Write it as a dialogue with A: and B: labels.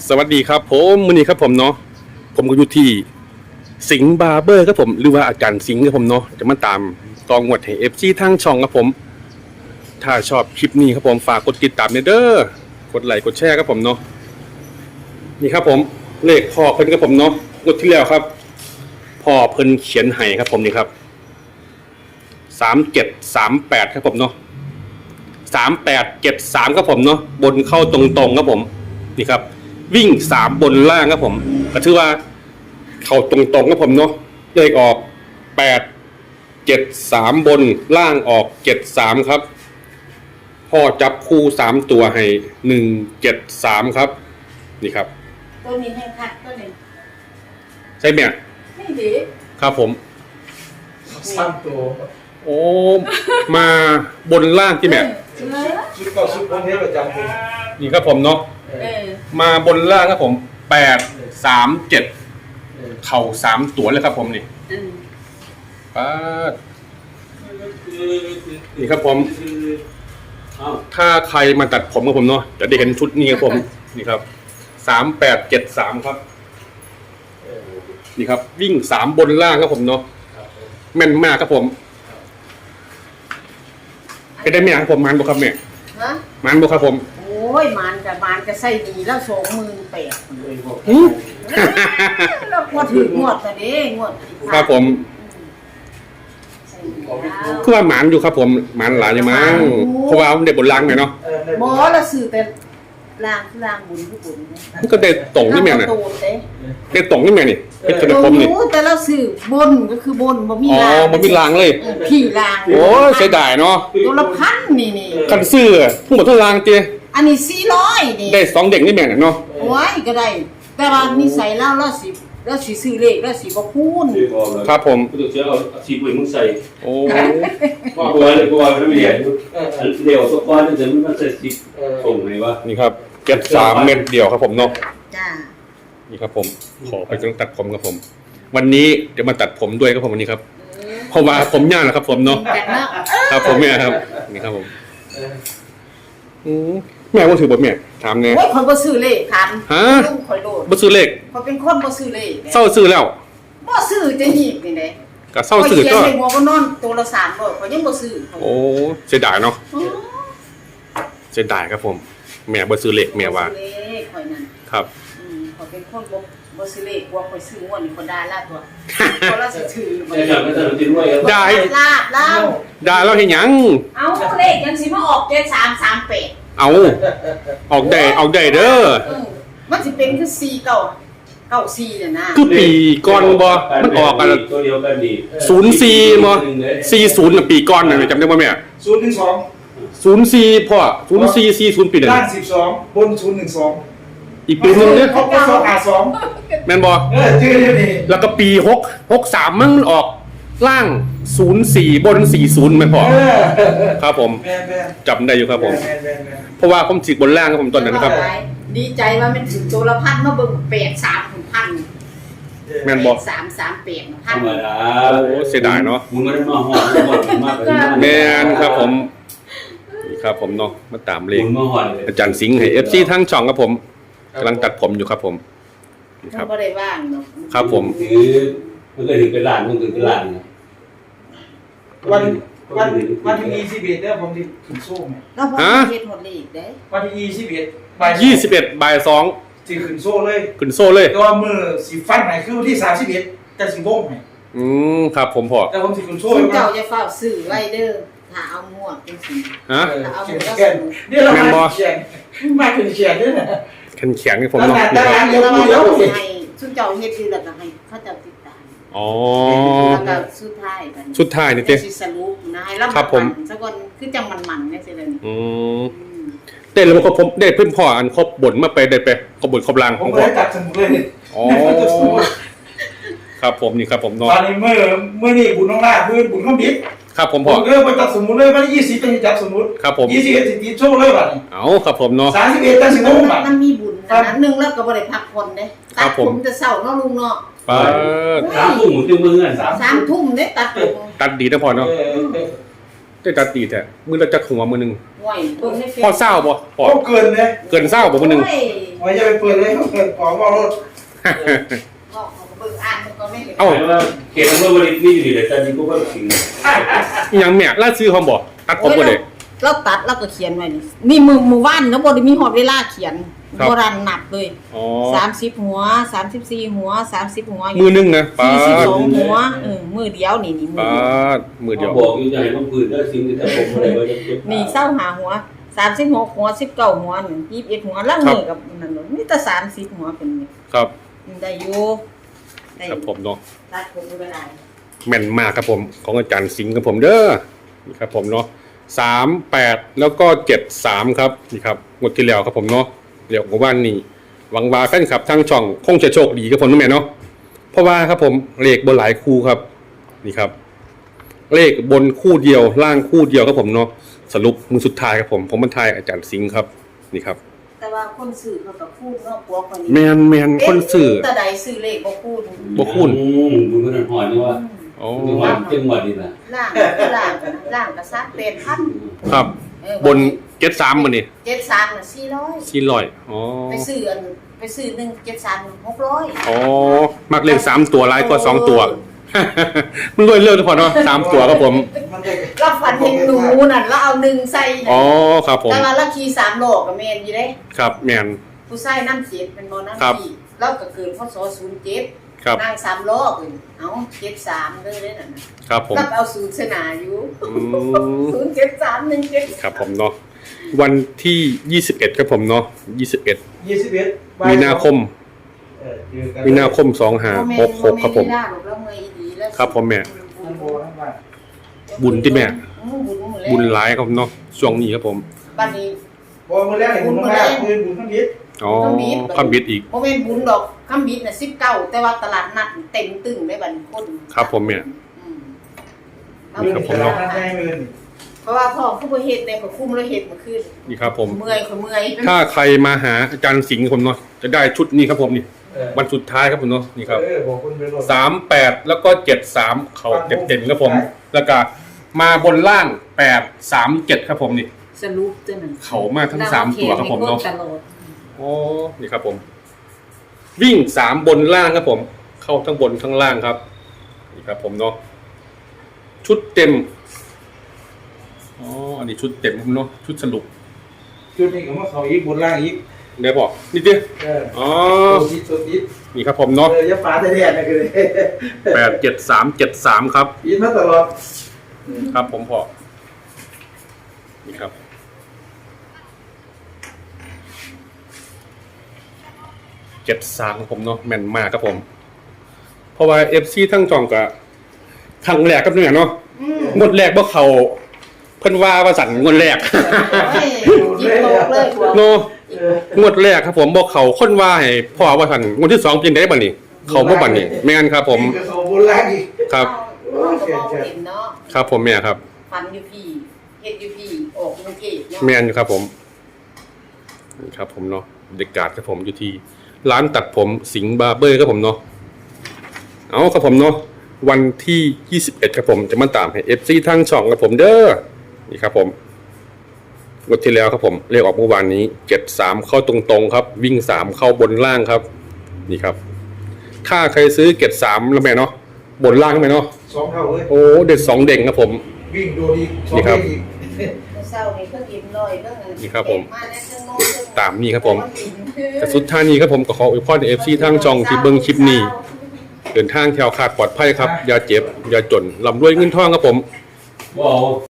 A: สวัสดีครับผมมื้อนี้ครับผมเนาะผมก็อยู่ที่สิงห์บาร์เบอร์ครับผมหรือว่าอาจารย์สิงห์ครับผมเนาะจะมาตามตองวดให้ FC ทางช่องครับผมถ้าชอบคลิปนี้ครับผมฝากกดติดตามเด้อกดไลค์กดแชร์ครับผมเนาะนี่ครับผมเลขพ่อเพิ่นครับผมเนาะงวดที่แล้วครับพ่อเพิ่นเขียนให้ครับผมนี่ครับ3738ครับผมเนาะ3873ครับผมเนาะบนเข้าตรงๆครับผมนี่ครับวิ่ง3บนล่างครับผมก็ถือว่าเข้าตรงๆครับผมเนาะเลขออก873บนล่างออก73ครับพ่อจับคู่3ตัวให้173ครับนี่ครับ
B: ตัวนี้ให้คัดตัวนี้
A: ใช่ไหม
B: ไม่ดี
A: ครับผม
C: 3ตัว
A: โอ้มาบนล่างที่แม่
C: ชุดเก่าชุดพวกนี้ประจำผม
A: นี่ครับผมเนาะมาบนล่างครับผม837เข่า3ตัวเลยครับผมนี่ป้านี่ครับผมถ้าใครมาตัดผมกับผมเนาะจะได้เห็นชุดนี้ครับผมนี่ครับ3873ครับนี่ครับวิ่ง3บนล่างครับผมเนาะแม่นมากครับผมไปได้ไหมครับผมมันบุครับแม่มันบุครับผม
B: โอ้ยมันจะใส่ดีแล้ว28,000เราพอถืองวดแต่เด้งวด
A: ครับผมคือว่าหมานอยู่ครับผมหมานหลายอย่างมั้งเพราะว่าเด็กบนล่างหน่อยเนาะ
B: หมอละสื่อแต่ล่างบุญผู้บุญ
A: มันก็ได้ตรงนี่แม่น่ะได้ตรงนี่แม่นี่เป็นขนมนี่
B: แต่เราสื่อบนก็คือบนบ่มี
A: ล่างอ๋อบ่มีล่างเลย
B: พี่ล่าง
A: โอ้เสียดายเนาะ
B: ตัวละพันนี่
A: คันซื้อทั้งหมดทั้งล่างเตี้ย
B: อันนี้400นี่
A: ได้2เด็กนี่แม่น่ะเนาะ
B: โอ้ยก็ได้แต่ว่านิสัยเราสิซื้อเลขแล้วสิบ่คูณ
A: ครับผม
D: กูจะเอาสีปุ๋ยมึงใส่
A: โอ้
D: กูว่าเลยกูว่าไม่เรียนเดี๋ยวสปอนจะมันใส่สีส่งไหนวะ
A: นี่ครับ73เม็ดเดียวครับผมเนาะ
B: จ้า
A: นี่ครับผมขอไปต้องตัดผมครับผมวันนี้เดี๋ยวมาตัดผมด้วยครับผมวันนี้ครับเพราะว่าผมยาวนะครับผมเนาะครับผมเนี่ยครับนี่ครับผมแม่ว่าถือบ่แม่ถามแน่
B: โอ้ยคนบ่ซื้อเลขถาม
A: ฮะ
B: ข่อยโดด
A: บ่ซื้อเลข
B: เขาเป็นคนบ่ซื้อเลข
A: เศร้าซื้อแล้ว
B: บ่ซื้อจะหีบนี่แหละ
A: ก็เศร้าซื้อก็
B: เขียนให้หัวก็นอนตัวละ3บ่เขายังบ่ซื้อ
A: โอ้เสียดายเนาะเสียดายครับผมแม่บ่ซื้อเลขแม่ว่า
B: เลขข่อยนั่น
A: ครับ
B: เขาเป็นคนบ่ซื้อเลขกว่าข่อยซื้องวดนี่คนด่าลาตัวเขาละสิถือบ่
A: ได้
B: ลาบเล่า
A: ด่าเราเฮ็ดหยัง
B: เอาเลขยังสิมาออก7338
A: เอาออกได้เด้อ
B: มันสิเป็นคือ494น่ะนะ
A: คือปีก่อนบ่มันออกกัน
D: ตัวเดียวกันดี
A: 04บ่40น่ะปีก่อนน่ะจำได้บ่แม่04พ่อ0440ปีนั้น
C: ล่าง12บน012
A: อีกปีนึงเด้อ
C: เขาก็252
A: แม่นบ่
C: ชื่ออยู่นี่
A: แล้วก็ปี63มันออกล่าง04บน40แม่นพ่อครับผมจำได้อยู่ครับผมเพราะว่าผมสิบนล่างครับผมตอนนั้นครับ
B: ดีใจว่ามันถึงตัวละพันมาเบิ่ง83,000
A: แม่นบ่
B: 338,000
D: ธรรมดา
A: โอ้เสียดายเนาะ
D: มึงไม่ได้มาหอดมาก
A: แม่นครับผมนี่ครับผมเนาะมาตามเลขอาจารย์สิงห์ให้ FC ทั้งช่องครับผมกำลังตัดผมอยู่ครับผม
B: ครับบ่ได้ว่างเนาะ
A: ครับผม
D: มันก็ถึงเป็นล้านมึงถึงเป็นล้าน
C: วันที่21เด้อผมสิขึ้นโซ่แม่
B: แล้วบ่เฮ็ดหมดเลขเด้
C: วันที่21บ่
A: าย2
C: สิขึ้นโซ่เลย
A: ขึ้นโซ่เลย
C: ตัวมือสิฟันให้คือวันที่31จะสิวงให้
A: ครับผมพ่อ
C: แต่ผมสิขึ้นโซ่
B: เจ้าอย่าเฝ้าซื้อไว้เด้อถ้าเอาหมวกจังซี่
A: ฮะ
B: เอาหมวก
C: นี่เรามาเขียนมาถึงเขียนด้วยน่ะ
A: แข็งๆนี่ผมเนาะ
C: ตารางเดียว
B: ให้ซุเจ้าเฮ็ดคือแล้วก็ให้เขาเจ้าติดตาม
A: อ๋อ
B: แล้วก็สุดท้ายกัน
A: สุดท้ายนี่เต้
B: สิสรุปนะให้รับสักคนคือจังมันๆจังซี่เลย
A: เต้แล้วมันก็ผมได้เพิ่นพ่ออันครบบนมาไปได้ไปครบบนครบล่าง
C: ผมบ่ได้จับสมุดเลย
A: อ๋อครับผมนี่ครับผมเนาะ
C: ตอนนี้เมื่อนี่บุญน้องลาคือบุญข้าวบิด
A: ครับผมพ่อ
C: ไปจับสมุดเลยวันที่20เป็นจับสมุด
A: ครับผม
C: 21สิติโชว์เลยบัดนี้
A: เอาครับผมเนาะ
C: 31จังสิงงบัด
B: มันมีบุญนะนึงแล้วก็บ่ได้พักผ่อนเด้ตัดผมจะเช้าเนาะลุงเนาะ
D: 3 ทุ่มถึงมื้อนั้น
B: 3 ทุ่มเด้ตัดผม
A: ตัดดีนะพ่อเนาะได้ตัดตีแท้มือละจักหัวมือหนึง
B: ห่วยเบิ่งในเฟซ
A: พอเศร้าบ่พอ
C: เขาเกินเลย
A: เกินเศร้าบ่มือหนึง
B: โอ้ย
C: ไว้จะไปเปิดเลยเขาเกินของว่ารถ
B: บอกเขาก็เบิ่งอ่านมันก็ไม่ได้
A: เอ้า
D: หมายว่าเขตอำเภอวารินนี่อยู่ในแต่นี่กูก็สิง
A: อีหยังแม่ล่าซื้อเขาบ่ตัดผมบ่ได้
B: เราตัดแล้วก็เขียนไว้นี่มือว่านแล้วบ่ได้มีฮอดเวลาเขียน
A: ครับ
B: โบราณนับเลย
A: อ๋อ
B: 30หัว34หัว30หัว
A: มือหนึงนะปาด
B: 42หัวมือเดียวนี่มือ
A: ปา
B: เดียว
A: ดมือเดียว
D: บอกอยู่จะให้ต้องปืนแล้วสิงแต่ผมอะไรว่าจะเก็บ
B: นี่เศร้าหาหัว36หัว19หัว21หัวแล้วมือกับนั่นเนาะมีแต่30หัวเป็นนี่
A: ครับ
B: ได้อยู่ได้
A: ครับผมเนาะ
B: ตัดผมบ่ได้
A: แม่นมากครับผมของอาจารย์สิงห์ครับผมเด้อนี่ครับผมเนาะ38แล้วก็73ครับนี่ครับงวดที่แล้วครับผมเนาะเดี๋ยวว่านี่หวังว่าแฟนคลับทางช่องคงจะโชคดีครับผมนะแม่เนาะเพราะว่าครับผมเลขบนหลายคู่ครับนี่ครับ เลขบนคู่เดียวล่างคู่เดียวครับผมเนาะสรุปมือสุดท้ายครับผมบรรทายอาจารย์สิงห์ครับนี่ครับ
B: แต่ว่าคนซื้อเขาก็พูดเนาะพวกคนนี้
A: แมนคนสื่อ
B: แต่ใดซื้อเลขบ่พูด
A: บ่คุ้น
D: มึงก็นั่นหอนนี่ว่า
A: อ๋อ
D: จังหวัดนี่นะ
B: ล่างก็ซัก8,000
A: ครับบน73มื้อนี่
B: 73น่ะ400
A: 400อ๋อ
B: ไปซื้อ173 600
A: อ๋อมักเลข3ตัวหลายกว่า2ตัว มันรวยเร็วทุกคนเนาะ3ตัวครับผม
C: มันจะ
B: เราฝันเห็นหนูนั่นแล้วเอา1ใส่
A: อ๋อครับผม
B: แต่ว่าเราขี่3โลก็แม่นอยู่เด้
A: ครับแมน
B: ผู้ชายนำ7เป็นบ่นำ
A: ครับ
B: ขี่เราก็เกิดพศ07
A: ครับ
B: นั่ง3ล้อเพิ่นเอา73เด้อเด้นั่นน่ะ
A: ครับผม
B: ก็เอา0เสนาอยู่
A: อืม
B: 07317
A: ครับผมเนาะวันที่21ครับผมเนาะ21
C: 21
A: มีนาคมมีนาคม2566ครับผม ครับผมแม่ บุญที่แม่ บุญหลายครับผมเนาะช่วงนี้ครับผม
B: บัดนี้
C: บ่มื้อแรกนี่บุญมากบุญทั้งนิด
A: อ๋อคำบิดอีก
B: บ่แม่นบุญดอกคำบิดน่ะ19แต่ว่าตลาดนัดเต็มตึ้งได้บัดนี้คน
A: ครับผมแม่
B: อืม
A: นี่ครับผม
C: เนาะให้เงิน
B: เพราะว่าพ่อผู้บ่เฮ็ดได้ก็คุ้มแล้วเฮ็ดมาขึ้น
A: นี่ครับผม
B: เมื่อย
A: ถ้าใครมาหาอาจารย์สิงห์ครับผมเนาะจะได้ชุดนี้ครับผมนี่วันสุดท้ายครับผมเนาะนี่ครับ
C: บอกคุณเป็นรถ
A: 38แล้วก็73เขาเต็มๆครับผม แล้วก็มาบนล่าง837ครับผมนี่
B: สรุปจังนั้น
A: เขามาทั้ง3ตัวครับผมเนาะ
B: ตลอด
A: โอ้นี่ครับผม วิ่ง3บนล่างครับผม เข้าทั้งบนทั้งล่างครับนี่ครับผมเนาะชุดเต็มอ๋ออันนี้ชุดเต็มครับเนาะชุดสรุป
C: จุดนี้ก็มาเขาอีกบนล่างอีก
A: เดี๋ยวบอกนิดเดียว อ๋อ
C: ตัวติด
A: นี่ครับผมเนาะ
C: อย่าฟ้าแท้ๆนะคือ
A: 87373ครับ
C: ยินมาตลอด
A: ครับผมพอนี่ครับ73ครับผมเนาะแม่นมากครับผม เพราะว่า FC ทั้งจองกับครั้งแรกครับเนี่ยเนาะงวดแรกบ่เขาเพิ่นว่าสั่นงวดแรก
B: ยิบโลกเลยพวก
A: เนาะงวดแรกครับผมบ่เขาคนว่าให้พ่อว่าสั่นงวดที่2เป็นได้บัดนี้ เขาบ่บัดนี้แม่นครับผม
C: เขาบนล่างอีก
A: ครับ
B: เห็นเนาะ
A: ครับผมแม่ครับ
B: ฟันอยู่พี่เฮ็ดอยู่พี่ออกกรุงเทพเนาะ
A: แม่นอยู่ครับผมนี่ครับผมเนาะเด็กกาดครับผมอยู่ที่ร้านตัดผมสิงห์บาร์เบอร์ครับผมเนาะเอาครับผมเนาะวันที่21ครับผมจะมาตามให้ FC ทางช่องครับผมเด้อนี่ครับผมงวดที่แล้วครับผมเลขออกเมื่อวานนี้73เข้าตรงๆครับ วิ่ง3เข้าบนล่างครับ นี่ครับ ถ้าใครซื้อ3แล้วแม่เนาะบนล่างไหมเนาะ
C: 2เท่าเลย
A: โอ้เด็ด2เด้งครับผม
C: วิ่งโดนอีก
A: นี่ครับ
C: อีก
B: เศร้านี่เพิ่นอิ่มลอยเรื่อง
A: นี่ครับผม
B: มาแล้วจังโน้น
A: ตามนี้ครับผม แต่สุดท้ายนี้ครับผมก็ขออวยพร FC ทางช่องที่เบิ่งคลิปนี้เดินทางแถวขาดปลอดภัยครับอย่าเจ็บอย่าจนร่ำรวยเงินทองครับผม
D: บอก